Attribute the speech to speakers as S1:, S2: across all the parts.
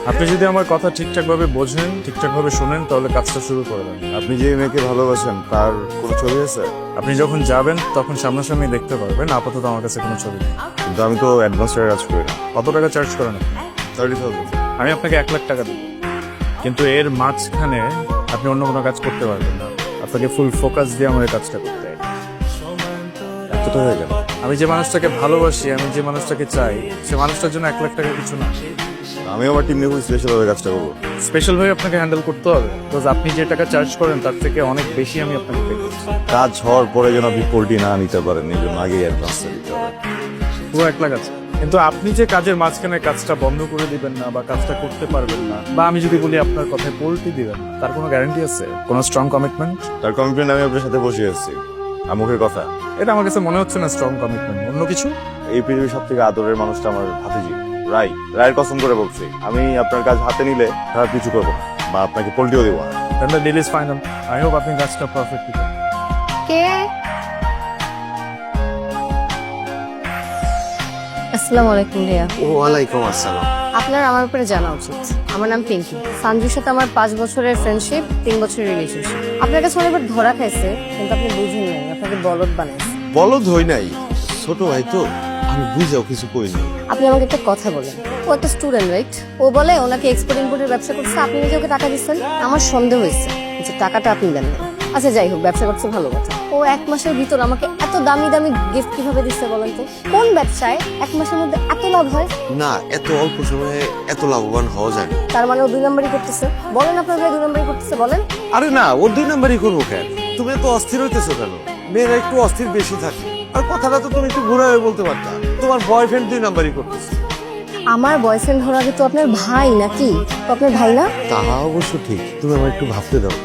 S1: আপনি যদি আমার কথা ঠিকঠাকভাবে বোঝেন, ঠিকঠাকভাবে শোনেন, তাহলে কাজটা শুরু করে দেন।
S2: আপনি যে মেয়েকে ভালোবাসেন তার কোনো ছবি আছে?
S1: আপনি যখন যাবেন তখন সামনাসামনি দেখতে পারবেন। আপাতত আমার কাছে কোনো ছবি নেই।
S2: কিন্তু আমি তো অ্যাডভান্স টাকা কাজ করি না।
S1: কত টাকা চার্জ করেন আপনি?
S2: 30,000।
S1: আমি আপনাকে 1,00,000 টাকা দেব, কিন্তু এর মাঝখানে আপনি অন্য কোনো কাজ করতে পারবেন না। আপনাকে ফুল ফোকাস দিয়ে আমার এই কাজটা করতে হয়।
S2: এত টাকা কেন?
S1: আমি যে মানুষটাকে ভালোবাসি, আমি যে মানুষটাকে চাই, সে মানুষটার জন্য 1,00,000 টাকা কিছু না।
S2: আমি আমার টিম নিয়ে স্পেশালভাবে কাজটা করবো।
S1: স্পেশাল ভাবে আপনাকে হ্যান্ডেল করতে হবে, বিকজ আপনি যে টাকা চার্জ করেন তার থেকে অনেক বেশি আমি আপনাকে পে করছি।
S2: কাজ হওয়ার পরে যেন আপনি পোল্ট্রি না নিতে পারেন, এই জন্য আগেই অ্যাডভান্সটা দিতে হবে।
S1: পুরো 1,00,000 আছে, কিন্তু আপনি যে কাজের মাঝখানে কাজটা বন্ধ করে দিবেন না বা কাজটা করতে পারবেন না, বা আমি যদি বলি আপনার কথায় পোল্টি দিবেন না, তার কোনো গ্যারান্টি আছে? কোনো স্ট্রং কমিটমেন্ট?
S2: তার কমিটমেন্ট আমি আপনার সাথে বসে আছি, আর মুখের কথা।
S1: এটা আমার কাছে মনে হচ্ছে না স্ট্রং কমিটমেন্ট, অন্য কিছু।
S2: এই পৃথিবীর সব থেকে আদরের মানুষটা আমার ভাতিজি রায়ের কসম করে বলছি, আমি আপনার কাজ হাতে নিলে খারাপ কিছু করবো না, বা আপনাকে পোল্টিও দেবো না।
S1: Then the deal is final. I hope আপনি কাজটা পারফেক্টলি করেন।
S3: কে? আসসালামু আলাইকুম ভাইয়া।
S4: ওয়ালাইকুম আসসালাম।
S3: আপনার আমার উপরে জানা উচিত। আমার নাম পিঙ্কি। সঞ্জুর সাথে আমার 5 বছরের ফ্রেন্ডশিপ, 3 বছরের রিলেশনশিপ। আপনার কাছে অনেকবার ধরা খাইছে, কিন্তু আপনি বুঝেন নাই, আপনাকে বলদ বানাইছে।
S4: বলদ হই নাই, ছোট ভাই তো, আমি বুঝাও কিছু কই নাই।
S3: আপনি আমাকে একটা কথা বলেন, ও একটা স্টুডেন্ট রাইট? ও বলে ওনাকে এক্সপোর্ট ইম্পোর্টের ব্যবসা করছে, আপনি নিজে ওকে টাকা দিচ্ছেন। আমার সন্দেহ হয়েছে যে টাকাটা আপনি দেন না। আচ্ছা যাই হোক, ব্যবসা করছে ভালো কথা। ও 1 মাসের ভিতর আমাকে এত দামি দামি গিফট কিভাবে দিচ্ছে বলেন তো? কোন ব্যবসায় 1 মাসের মধ্যে এত লাভ হয়?
S4: না, এত অল্প সময়ে এত লাভবান হওয়া যায় না।
S3: তার মানে ও 2 নম্বরই করতেছে। বলেন আপনার ভাই 2 নম্বরই করতেছে, বলেন।
S4: আরে না, ও 2 নাম্বারই করবো কেন? তুমি এত অস্থির হইতেছো কেন? মেয়েরা একটু অস্থির বেশি থাকে। আর কথাটা তো তুমি একটু ঘুরাবে বলতে পারতা। তোমার বয়ফ্রেন্ড 2 নাম্বারই করতেছে।
S3: আমার বয়ফ্রেন্ড হওয়ার আগে তো আপনার ভাই নাকি? তো আপনার ভাই না?
S4: তাহা অবশ্য ঠিক, তুমি আমার একটু ভাবতে দাও।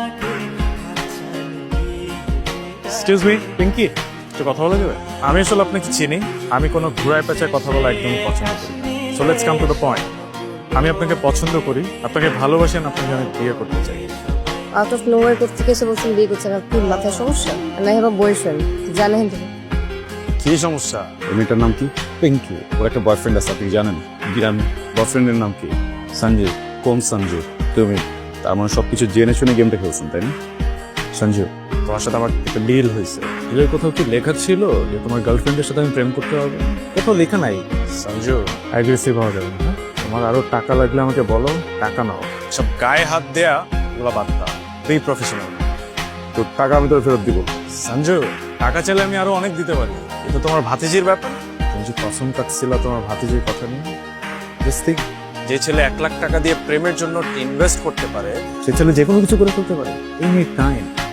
S1: এক্সকিউজ মি পিঙ্কি, একটু কথা বলা যাবে? আমি আসলে আপনাকে চিনি, আমি কোনো ঘুরায় পেঁচায় কথা বলা একদমই পছন্দ করি না। So let's come to the point. আমি আপনাকে পছন্দ করি, আপনাকে ভালোবাসেন, আপনাকে আমি বিয়ে করতে চাই।
S3: আউট অফ নোওয়্যার করতে থেকে এসে বলছেন বিয়ে করছেন, আর কি মাথায় সমস্যা? না হ্যাভ বয়ফ্রেন্ড, জানেন তো?
S1: কি সমস্যা?
S2: এই মেয়েটার নাম কি? পিঙ্কি। ওর একটা বয়ফ্রেন্ড আছে, আপনি জানেন? জানি। বয়ফ্রেন্ডের নাম কি? সঞ্জু। কোন সঞ্জু? তুমি। তার মানে সবকিছু জেনে শুনে গেমটা খেলছেন, তাই না?
S1: সঞ্জু, তোমার সাথে আমার একটা ডিল হয়েছে। ডিলের কোথাও কি লেখা ছিল যে তোমার গার্লফ্রেন্ডের সাথে আমি প্রেম করতে পারবো? কোথাও লেখা নাই। সঞ্জু, অ্যাগ্রেসিভ হওয়া যাবে না। তোমার আরো টাকা লাগলে আমাকে বলো, টাকা নাও। সব গায়ে হাত দেয়া ওগুলো বাদ দাও। Be professional.
S2: তো টাকা আমি তোর ফেরত দিব।
S1: সঞ্জু, টাকা চাইলে আমি আরো অনেক দিতে পারি, কিন্তু তোমার ভাতিজির ব্যাপার। তুমি যে কসম কাটছিল তোমার ভাতিজির কথা নিয়ে। Just think, যে ছেলে 1,00,000 টাকা দিয়ে প্রেমের জন্য ইনভেস্ট করতে পারে, সে ছেলে যে কোনো কিছু করে ফেলতে পারে এনি টাইম।